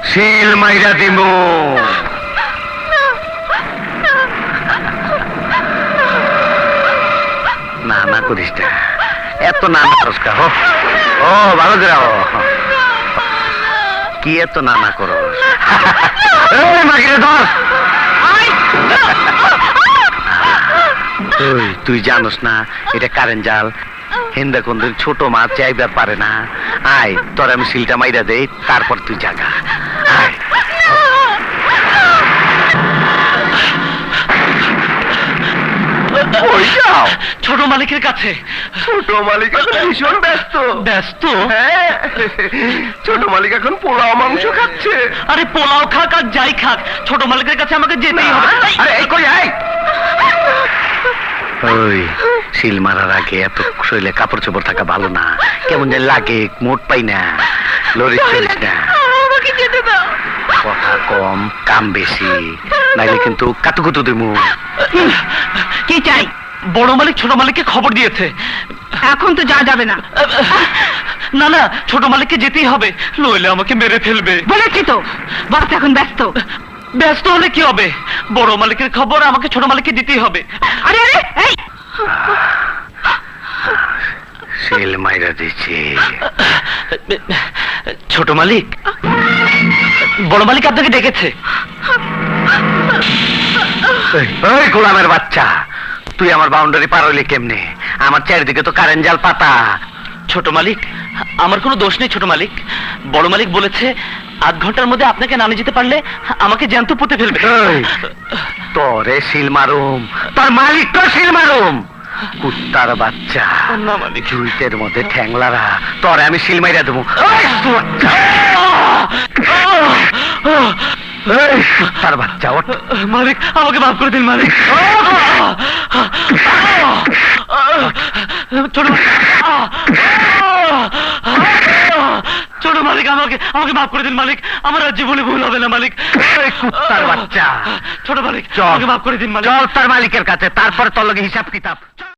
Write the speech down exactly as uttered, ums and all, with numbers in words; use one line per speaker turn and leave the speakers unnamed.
শিল মাইরা দিমু। না না করিস না, এত না না করিস কা। ও ভালো যাও, কি এত না না করো? মাগিরে ধর। তুই তুই জানোস না এটা কারেন্ট জাল, হিন্দা কোন ছোট মাছ চাইবার পারে না। আয় তোর আমি শিলটা মাইরা দেই, তারপর তুই জাগা। আয়
ছোট মালিকের কাছে।
ছোট মালিক এখন ভীষণ ব্যস্ত।
ব্যস্ত?
হ্যাঁ, ছোট মালিক এখন পোলাও মাংস খাচ্ছে।
আরে পোলাও খাক আর যাই খাক, ছোট মালিকের কাছে আমাকে যেতেই হবে।
আরে এই কই আয়। ওই শিল মারার আগে এত শরীরে কাপড় চোপড় থাকা ভালো না, কেমন যেন লাগে, মোট পাই না। লরিস চলিস না,
আমাকে যেতে দাও।
কথা কম কাম বেশি, নাইলে কিন্তু কাতুকুতু দিমু।
কি চাই? বড় মালিক ছোট মালিককে খবর দিয়েছে।
এখন তো যা যাবে না।
না না, ছোট মালিককে যেতেই হবে, নইলে আমাকে মেরে ফেলবে।
বলেছি তো, বাস এখন ব্যস্ত।
ব্যস্ত হলে কি হবে? বড় মালিকের খবর আমাকে ছোট মালিককে দিতেই হবে।
আরে আরে এই
শিল মাইরা দিচ্ছি।
ছোট মালিক, বড় মালিক আপনাকে ডেকেছে।
ওই গোলামের বাচ্চা, তুই আমার বাউন্ডারি পার হইলি কেমনে? আমার চারিদিকে তো কারেন্ট জাল পাতা।
ছোট মালিক, আমার কোনো দোষ নেই ছোট মালিক। বড় মালিক বলেছে আধ ঘন্টার মধ্যে আপনাকে না নিয়ে যেতে পারলে আমাকে জ্যান্ত পুঁতে ফেলবে।
তোরে শিল মারুম, তোর মালিক তো শিল মারুম। কুত্তার বাচ্চা,
না মালিক,
জুইতের মধ্যে ঠ্যাংলারা, তোরে আমি শিল মাইরা দেবো। কুত্তার বাচ্চা, ওঠ।
মালিক আমাকে মাফ করে দিন মালিক। ছোট ছোট মালিক, আমাকে আমাকে মাফ করে দিন মালিক, আমার আর জীবনে ভুল হবে না মালিক।
কুত্তার বাচ্চা,
ছোট মালিক,
চল
আমাকে মাফ করে দিন মালিক।
চল তার মালিকের কাছে, তারপর তোর লগে হিসাব কিতাব।